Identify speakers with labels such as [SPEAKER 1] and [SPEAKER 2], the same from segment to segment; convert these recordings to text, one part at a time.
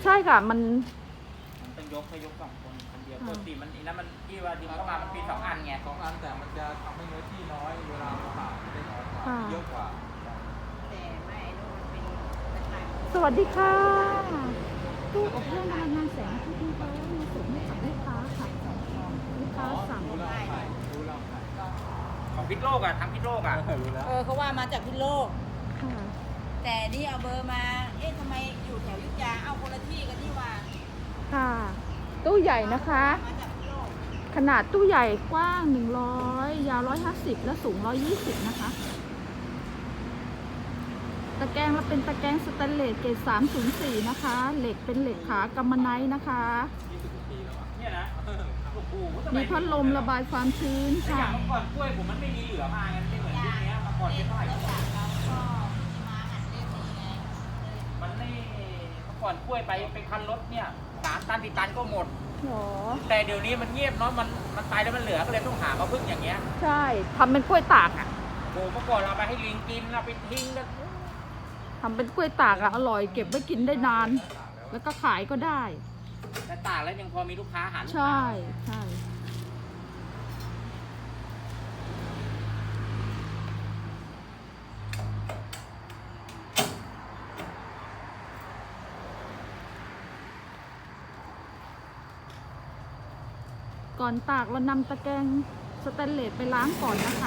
[SPEAKER 1] ใช่ค่ะมัน
[SPEAKER 2] ต้องยกให้ยกคนเดียวปกติมันแล้วมันที่ว่าดินเข้ามามันปี2 อันไง
[SPEAKER 3] 2 อันแต่มันจะทำให้เนื้อที่น้อยเวลาเราผ่าได้น้อยกว่าเยอะกว่า
[SPEAKER 4] แต่ไม่รู้มันเป็นตะข่าย
[SPEAKER 1] สวัสดีค่ะตู้อบเครื่องพลังงานแสงอาทิตย์นะคะมีส่งให้กับลูกค้าค่ะลูกค้าสั่ง
[SPEAKER 3] รู้แล้วใครรู้แล้วใคร
[SPEAKER 2] ของพิษโลกอ่ะทำพิษโลกอ่ะ
[SPEAKER 3] รู้แล้ว
[SPEAKER 4] เขาว่ามาจากพิษโลก
[SPEAKER 1] ค่ะ
[SPEAKER 4] แต่นี่เอาเบอร์มา เอ๊ะทำไมอยู่แถวอยุธยา เอาคนละที่กันนี่ว่า
[SPEAKER 1] ค่ะตู้ใหญ่นะคะ
[SPEAKER 4] มาจากพิษโลก
[SPEAKER 1] ขนาดตู้ใหญ่กว้าง100ยาว150และสูง120นะคะตะแกรงเราเป็นตะแกรงสแตนเลสเกรด304นะคะเหล็กเป็นเหล็กขากำมะไนท์นะคะ
[SPEAKER 3] 20 ปีแล้วอ่ะ
[SPEAKER 2] เนี่ยนะโอ้โห
[SPEAKER 1] มีพัดลมระบายความชื้น
[SPEAKER 2] แต่อ
[SPEAKER 1] ค่ะ
[SPEAKER 2] ย่างเมื่อก่อนกล้วยผมมันไม่มีเหลือมาไงไม่เหมือนยุคนี้เมื่อก่อนเป็นเท่าไหร่
[SPEAKER 4] แล้วจากเราก็มีมาหัดเล่นนี่ไง
[SPEAKER 2] มันไม่เมื่อก่อนกล้วยไปคันรถเนี่ย3 ตัน4 ตันก็หมด
[SPEAKER 1] หรอ
[SPEAKER 2] แต่เดี๋ยวนี้มันเงียบเนาะมันตายแล้วมันเหลือก็เลยต้องหามาพึ่งอย่างเงี้ย
[SPEAKER 1] ใช่ทำเป็นกล้วยตากอ่ะ
[SPEAKER 2] โอ้เมื่อก่อนเราไปให้ลิงกินเราไปทิ้งกัน
[SPEAKER 1] ทำเป็นกล้วยตากอ่ะอร่อยเก็บไว้กินได้นาน แล้วก็ขายก็ได้
[SPEAKER 2] แต่ตากแล้วยังพอมีลูกค้าหาลูก
[SPEAKER 1] ใช่
[SPEAKER 2] ค้า
[SPEAKER 1] ใช่ก่อนตากเรานำตะแกรงสแตนเลสไปล้างก่อนนะคะ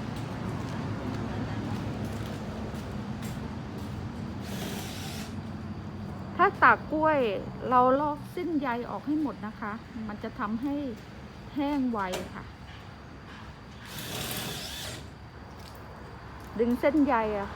[SPEAKER 1] ถ้าตากกล้วยเราลอกเส้นใยออกให้หมดนะคะ มันจะทำให้แห้งไวค่ะ ดึงเส้นใยอะ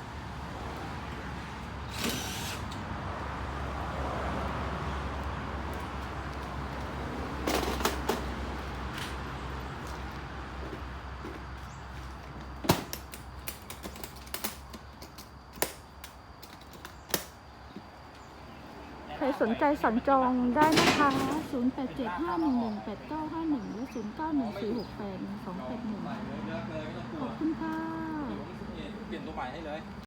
[SPEAKER 1] ใครสนใจสั่งจองได้นะคะ 0875118951 และ 0914681281
[SPEAKER 3] ใหม่เลยเลือกเลยไม่ต้องกลั
[SPEAKER 1] ข
[SPEAKER 3] ว
[SPEAKER 1] อบคุณค่ะ
[SPEAKER 3] เปลี่ยนตัวใหม่ให้เลย